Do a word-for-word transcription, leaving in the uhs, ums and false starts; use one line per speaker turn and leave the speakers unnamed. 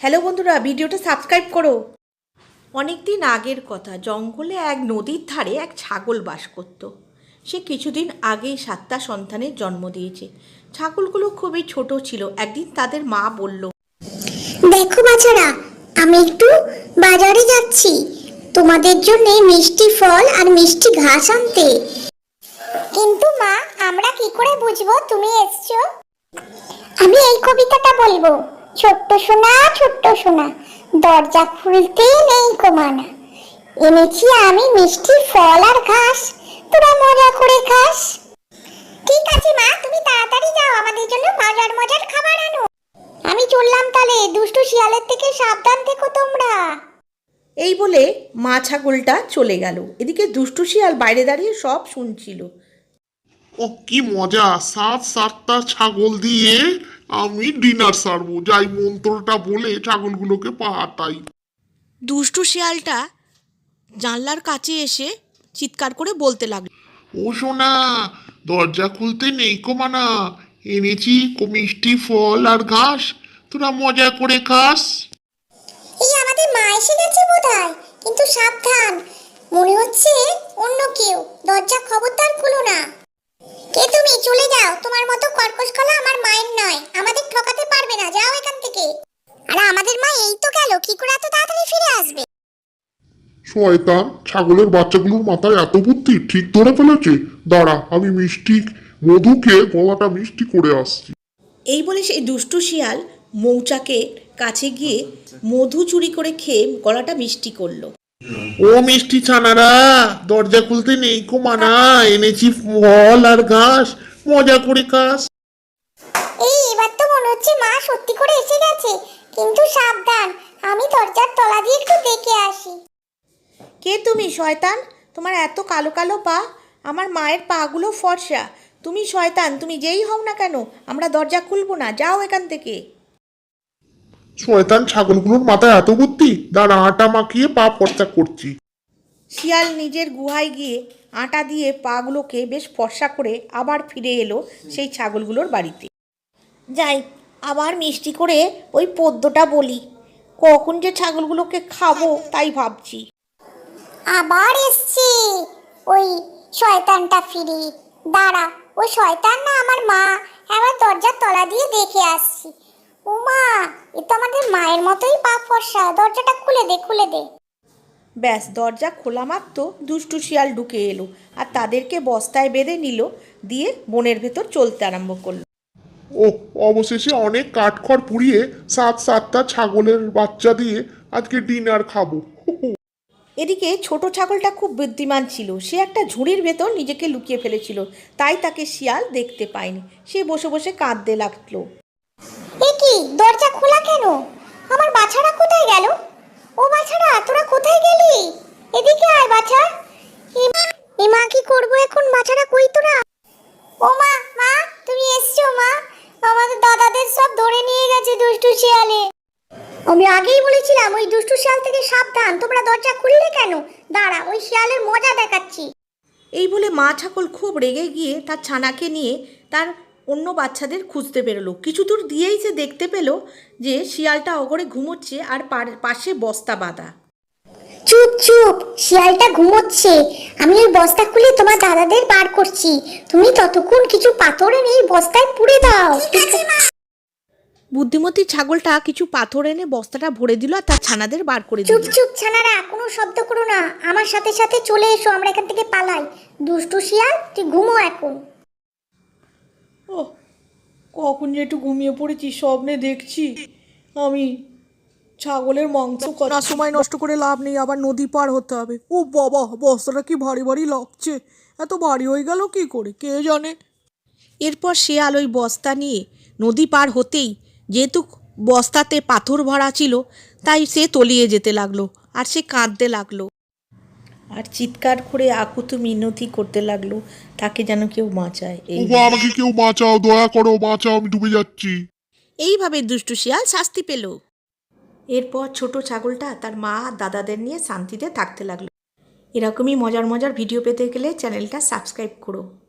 Hello বন্ধুরা, ভিডিওটা subscribe করো। অনেক দিন আগের কথা, জঙ্গলে এক নদীর ধারে এক ছাগল বাস করত। সে কিছুদিন আগেই সাতটা সন্তানের জন্ম দিয়েছে। ছাগলগুলো খুবই ছোট ছিল। একদিন তাদের মা বলল,
দেখো বাছারা, আমি একটু বাজারে যাচ্ছি তোমাদের জন্য মিষ্টি ফল আর মিষ্টি ঘাস আনতে। কিন্তু মা, আমরা কি করে বুঝবো তুমি এসছো? আমি এই কবিতাটা বলবো। ছোট্ট সোনা, ছোট্ট সোনা, দরজা খুলতে নেই কমানা, এনেছি আমি মিষ্টি ফল আর ঘাস, তোরা মজা করে খাস। ঠিক আছে মা, তুমি তাড়াতাড়ি যাও, আমাদের জন্য মজার মজার খাবার আনো। আমি চললাম তাহলে, দুষ্টু শিয়ালের থেকে সাবধান থেকো তোমরা।
এই বলে মা ছাগলটা চলে গেল। এদিকে দুষ্টু শিয়াল বাইরে দাঁড়িয়ে সব শুনছিল।
ও কি মজা! সাত সাতটা ছাগল দিয়ে আমি ডিনার সারবো, যাই মন্ত্রটা বলে ছাগলগুলোকে পাঠাই।
দুষ্টু শিয়ালটা জানলার কাছে এসে চিৎকার করে বলতে লাগলো,
ও সোনা, দরজা খুলতে নেই কমানা, এনেছি কো- মিষ্টি ফল আর ঘাস, তোরা মজা করে খাস।
এই আমাদের মা এসে গেছে বোধহয়, কিন্তু সাবধান, মনে হচ্ছে অন্য কেউ। দরজা খবরদার খুলো না। কে তুমি? চলে যাও, তোমার মতো কর্কশ গলা আমার মায়ের নয়, আমাদের ঠকাতে পারবে না, যাও এখান থেকে। আরে আমাদের মা এই তো গেল, কি করে এত তাড়াতাড়ি ফিরে আসবে?
শয়তান, ছাগলের বাচ্চাগুলোর মাথায় এত বুদ্ধি, ঠিক ধরে ফেলেছে। দাঁড়া, আমি মিষ্টি মধুকে গলাটা মিষ্টি করে আসছি।
এই বলে সেই দুষ্টু শিয়াল মৌচাকের কাছে গিয়ে মধু চুরি করে খেয়ে গলাটা মিষ্টি করলো।
ও মিষ্টি ছানারা, দরজা খুলতে নেই কো মানা, এনেছি ফল আর ঘাস, মজা করে খাস।
এই এবার তো মনে হচ্ছে মা সত্যি করে এসে গেছে, কিন্তু সাবধান, আমি দরজার তলা দিয়ে একটু দেখে আসি।
কে তুমি শয়তান? তোমার এত কালো কালো পা, আমার মায়ের পাগুলো ফর্সা। তুমি শয়তান, তুমি যেই হও না কেন, আমরা দরজা খুলবো না, যাও এখান থেকে।
শয়তান ছাগলগুলোর মাথায় এত বুদ্ধি, দাঁড়া আটা মাখিয়ে পা ফর্সা করছি।
শিয়াল নিজের গুহায় গিয়ে আটা দিয়ে পাগুলোকে বেশ ফর্সা করে আবার ফিরে এলো সেই ছাগলগুলোর বাড়িতে। যাই, আবার মিষ্টি করে ওই পদ্যটা বলি, কখন যে ছাগলগুলোকে খাবো তাই ভাবছি।
আবার এসছে ওই শয়তানটা ফিরে। দাঁড়া, ওই শয়তান না আমার মা, এবার দরজার তলা দিয়ে দেখে আসছি। ও মা, এ তো আমাদের মায়ের মতোই পা ফর্সা, দরজাটা খুলে দে, খুলে দে।
ব্যাস, দরজা খোলা মাত্র দুষ্টু শিয়াল ঢুকে এলো আর তাদেরকে বস্তায় বেঁধে নিল, দিয়ে বনের ভেতর চলতে আরম্ভ করলো।
ও, অবশেষে অনেক কাঠখড় পুড়িয়ে সাত সাতটা ছাগলের বাচ্চা দিয়ে আজকে ডিনার খাবো।
এদিকে ছোট ছাগলটা খুব বুদ্ধিমান ছিল। সে একটা ঝুড়ির ভেতর নিজেকে লুকিয়ে ফেলেছিল, তাই তাকে শিয়াল দেখতে পায়নি। সে বসে বসে কাঁদতে লাগলো।
এ কি, দরজা খোলা কেন? আমার বাছারা কোথায় গেল? ও বাছারা, তোরা কোথায় গেলি? এদিকে আয় বাছা। এ মা, কি করবো এখন? বাছারা কই তোরা? ও মা, মা তুমি এসছো? মা, আমাদের দাদাদের সব ধরে নিয়ে গেছে দুষ্টু শিয়ালে। আমি আগেই বলেছিলাম ওই দুষ্টু শিয়াল থেকে সাবধান, তোমরা দরজা খুললে কেন? দাঁড়া, ওই শিয়ালের মজা দেখাচ্ছি।
এই বলে মা ছাগল খুব রেগে গিয়ে তার ছানাকে নিয়ে তার অন্য বাচ্চাদের খুঁজতে বেরোলো। কিছু দূর দিয়েই সে দেখতে পেল যে শিয়ালটা অগরে ঘুমোচ্ছে আর পাশে বস্তা বাঁধা।
চুপ চুপ, শিয়ালটা ঘুমোচ্ছে, আমি ওই বস্তা খুলে তোমার দাদাদের বার করছি। তুমি ততক্ষণ কিছু পাথর এনে এই বস্তায় পুড়ে দাও।
বুদ্ধিমতী ছাগলটা কিছু পাথর এনে বস্তাটা ভরে দিল আর তার ছানাদের বার করে দিল।
চুপ চুপ ছানারা, কোনো শব্দ করো না, আমার সাথে সাথে চলে এসো, আমরা এখান থেকে পালাই। দুষ্টু শিয়াল, তুই ঘুমো এখন।
ও, কখন যে একটু ঘুমিয়ে পড়েছি, স্বপ্নে দেখছি আমি ছাগলের মাংস না, সময় নষ্ট করে লাভ নেই, আবার নদী পার হতে হবে। ও বাবা, বস্তাটা কি ভারী ভারী লাগছে, এত ভারী হয়ে গেল কি করে কে জানে। এরপর শিয়াল ওই বস্তা নিয়ে নদী পার হতেই, যেহেতু বস্তাতে পাথর ভরা ছিল, তাই সে তলিয়ে যেতে লাগলো আর সে কাঁদতে লাগলো আর চিৎকার করে আকুতি মিনতি করতে লাগলো, তাকে যেন কেউ বাঁচায়। এই
ওগো, আমাকে কেউ বাঁচাও, দয়া করো, বাঁচাও, আমি ডুবে যাচ্ছি।
এইভাবে দুষ্টু শিয়াল শাস্তি পেল। এরপর ছোট ছাগলটা তার মা আর দাদাদের নিয়ে শান্তিতে থাকতে লাগলো। এরকমই মজার মজার ভিডিও পেতে গেলে চ্যানেলটা সাবস্ক্রাইব করো।